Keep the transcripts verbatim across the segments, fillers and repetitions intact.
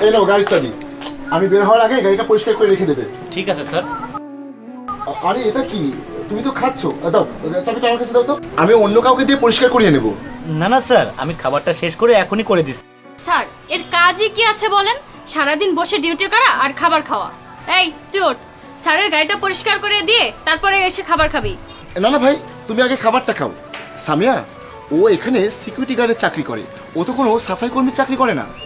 এই নাও গাড়ির চাবি। আমি বের হওয়ার আগে গাড়িটা পরিষ্কার করে রেখে দেবে। ঠিক আছে স্যার। আরে এটা কি, তুমি তো খাচ্ছ। দাও চাবিটা আমার কাছে দাও তো, আমি অন্য কাউকে দিয়ে পরিষ্কার করিয়ে নেব। না না স্যার, আমি খাবারটা শেষ করে এখনই করে দিচ্ছি। স্যার এর কাজই কি আছে বলেন? সারাদিন বসে ডিউটি করা আর খাবার খাওয়া। এই তুই ওঠ, স্যারের গাড়িটা পরিষ্কার করে দিয়ে তারপরে এসে খাবার খাবি। না না ভাই, তুমি আগে খাবারটা খাও। সামিয়া, ও এখানে সিকিউরিটি গার্ডের চাকরি করে, ও তো কোনো সাফাই কর্মীর চাকরি করে না।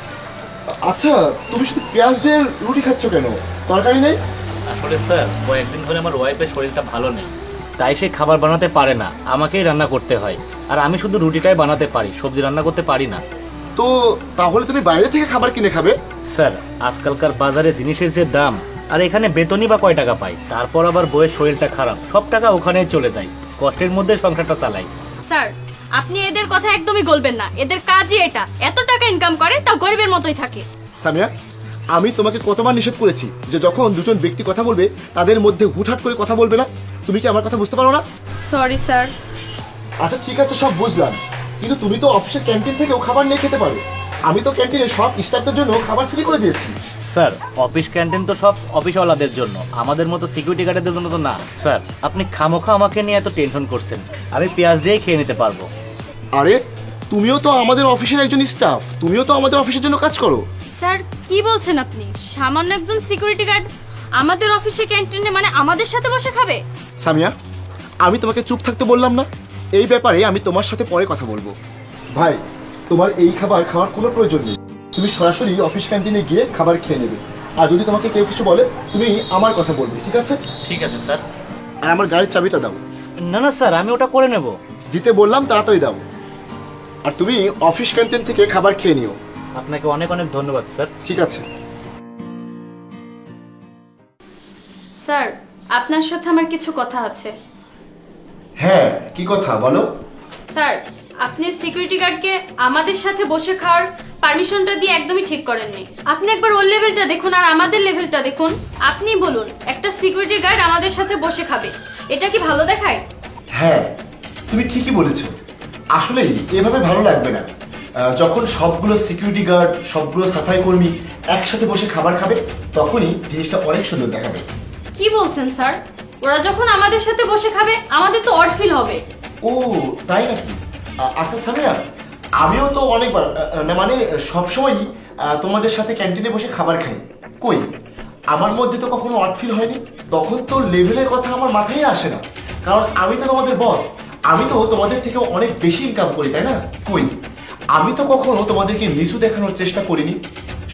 আচ্ছা, তুমি শুধু পেঁয়াজ দিয়ে রুটি খাচ্ছ কেন, তরকারি নেই? আসলে স্যার কয়েকদিন ধরে আমার ওয়াইফের শরীরটা ভালো নেই, তাই সে খাবার বানাতে পারে না, আমাকেই রান্না করতে হয়। আর আমি শুধু রুটিটাই বানাতে পারি, সবজি রান্না করতে পারি না। তো তাহলে তুমি বাইরে থেকে খাবার কিনে খাবে? স্যার আজকালকার বাজারে জিনিসের যে দাম, আর এখানে বেতনই বা কয় টাকা পাই, তারপর আবার বইয়ের শরীরটা খারাপ, সব টাকা ওখানেই চলে যায়, কষ্টের মধ্যে সংসারটা চালাই। স্যার আপনি এদের কথা একদমই বলবেন না, এদের কাজই এটা, এত টাকা ইনকাম করে তাও গরিবের মতোই থাকে। সামিয়া, আমি তোমাকে কতবার নিষেধ করেছি যে যখন দুজন ব্যক্তি কথা বলবে তাদের মধ্যে হুটহাট করে কথা বলবে না। তুমি কি আমার কথা বুঝতে পারো না? Sorry sir. আচ্ছা ঠিক আছে, সব বুঝলাম, কিন্তু তুমি তো অফিসের ক্যান্টিন থেকেও খাবার নিয়ে খেতে পারো। আমি তো ক্যান্টিনে সব স্টাফদের জন্য খাবার ফ্রি করে দিয়েছি। স্যার অফিস ক্যান্টিন তো সব অফিসওয়ালাদের জন্য, আমাদের মতো সিকিউরিটি গার্ডের জন্য তো না। স্যার আপনি খামোখা আমাকে নিয়ে এত টেনশন করছেন, আমি পেঁয়াজ দিয়েই খেয়ে নিতে পারবো। আরে তুমিও তো আমাদের অফিসের একজন স্টাফ, তুমিও তো আমাদের অফিসের জন্য কাজ করো। স্যার কি বলছেন আপনি? সামান্য একজন সিকিউরিটি গার্ড আমাদের অফিসে ক্যান্টিনে মানে আমাদের সাথে বসে খাবে? সামিয়া, আমি তোমাকে চুপ থাকতে বললাম না? এই ব্যাপারে আমি তোমার সাথে পরে কথা বলবো। ভাই, তোমার এই খাবার খাওয়ার কোনো প্রয়োজন নেই, তুমি সরাসরি অফিস ক্যান্টিনে গিয়ে খাবার খেয়ে নেবে। আর যদি তোমাকে কেউ কিছু বলে তুমি আমার কথা বলবে, ঠিক আছে? ঠিক আছে স্যার। আর আমার গাড়ির চাবিটা দাও। না না স্যার, আমি ওটা করে নেব। দিতে বললাম, তাড়াতাড়ি দাও। আর তুমি অফিস ক্যান্টিন থেকে খাবার খেয়ে নিও। আপনাকে অনেক অনেক ধন্যবাদ স্যার। ঠিক আছে। স্যার আপনার সাথে আমার কিছু কথা আছে। হ্যাঁ, কি কথা বলো? স্যার আপনি সিকিউরিটি গার্ডকে আমাদের সাথে বসে খাওয়ার পারমিশনটা দিয়ে একদমই ঠিক করেননি। আপনি একবার ওর লেভেলটা দেখুন আর আমাদের লেভেলটা দেখুন। আপনি বলুন একটা সিকিউরিটি গার্ড আমাদের সাথে বসে খাবে, এটা কি ভালো দেখায়? হ্যাঁ, তুমি ঠিকই বলেছো। আসলেই এভাবে ভালো লাগবে না। আহ, যখন সবগুলো সিকিউরিটি গার্ড, সবগুলো সাফাই কর্মী একসাথে বসে খাবার খাবে, তখনই জিনিসটা অনেক সুন্দর দেখাবে। কি কি বলছেন স্যার? ওরা যখন আমাদের সাথে বসে খাবে আমাদের তো অড ফিল হবে। ও তাই নাকি? আ- আচ্ছা সামিয়া, আমিও তো অনেকবার আ, আ, না মানে সবসময়ই আ, তোমাদের সাথে ক্যান্টিনে বসে খাবার খাই। কই, আমার মধ্যে তো কখনো অড ফিল হয়নি। তখন তো লেভেলের কথা আমার মাথায় আসে না, কারণ আমি তো তোমাদের বস, আমি তো তোমাদের থেকে অনেক বেশি ইনকাম করি, তাই না? কই, আমি তো কখনো তোমাদেরকে নিচু দেখানোর চেষ্টা করিনি।